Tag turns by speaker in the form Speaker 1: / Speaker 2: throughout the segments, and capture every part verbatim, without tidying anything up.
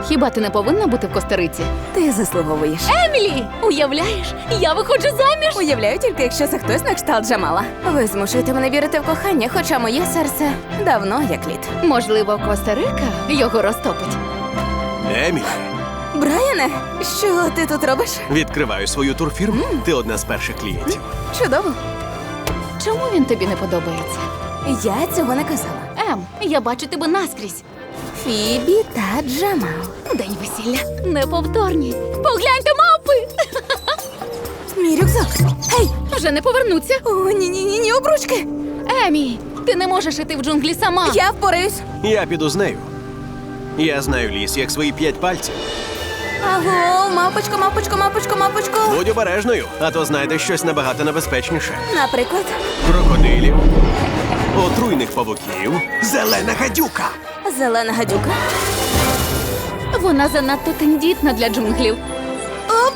Speaker 1: Хіба ти не повинна бути в Коста-Риці?
Speaker 2: Ти заслуговуєш.
Speaker 1: Емілі! Уявляєш, я виходжу заміж!
Speaker 2: Уявляю тільки, якщо це хтось на кшталт Джамала. Ви змушуєте мене вірити в кохання, хоча моє серце давно як лід.
Speaker 1: Можливо, Коста-Рика його розтопить.
Speaker 3: Емілі,
Speaker 2: Брайане, що ти тут робиш?
Speaker 3: відкриваю свою турфірму. Ти одна з перших клієнтів.
Speaker 2: Чудово.
Speaker 1: Чому він тобі не подобається?
Speaker 2: Я цього не казала.
Speaker 1: Ем, я бачу тебе наскрізь.
Speaker 2: Фібі та Джамал.
Speaker 1: День весілля. Неповторні. Погляньте, мавпи!
Speaker 2: Мій рюкзак. Гей!
Speaker 1: Вже не повернуться.
Speaker 2: О, ні-ні-ні, обручки.
Speaker 1: Емі, ти не можеш іти в джунглі сама.
Speaker 2: Я впораюсь.
Speaker 3: Я піду з нею. Я знаю ліс, як свої п'ять пальців.
Speaker 2: Аго, мапочко, мапочко, мапочко, мапочко.
Speaker 3: Будь обережною, а то знайдеш щось набагато небезпечніше.
Speaker 2: Наприклад,
Speaker 3: Крокодилів, отруйних павуків, зелена гадюка.
Speaker 2: зелена гадюка.
Speaker 1: Вона занадто тендітна для джунглів.
Speaker 2: Оп!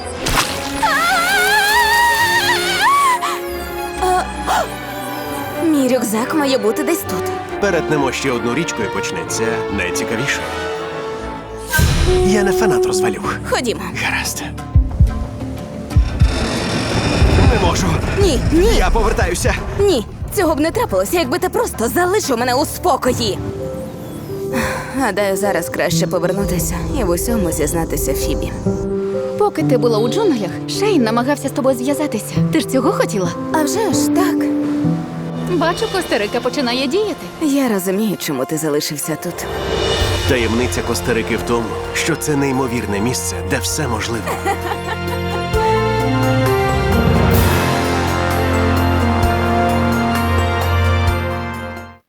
Speaker 2: А, а! Мій рюкзак має бути десь тут.
Speaker 3: Перетнемо ще одну річку і почнеться найцікавіше. Я не фанат розвалюх.
Speaker 2: Ходімо.
Speaker 3: Гаразд. Не можу.
Speaker 2: Ні, ні,
Speaker 3: Я повертаюся.
Speaker 2: ні. Цього б не трапилося, якби ти просто залишив мене у спокої. Гадаю, зараз краще повернутися і в усьому зізнатися Фібі.
Speaker 1: Поки ти була у джунглях, Шейн намагався з тобою зв'язатися. Ти ж цього хотіла?
Speaker 2: А вже ж так.
Speaker 1: Бачу, Коста-Рика починає діяти.
Speaker 2: Я розумію, чому ти залишився тут.
Speaker 3: Таємниця Коста-Рики в тому, що це неймовірне місце, де все можливо.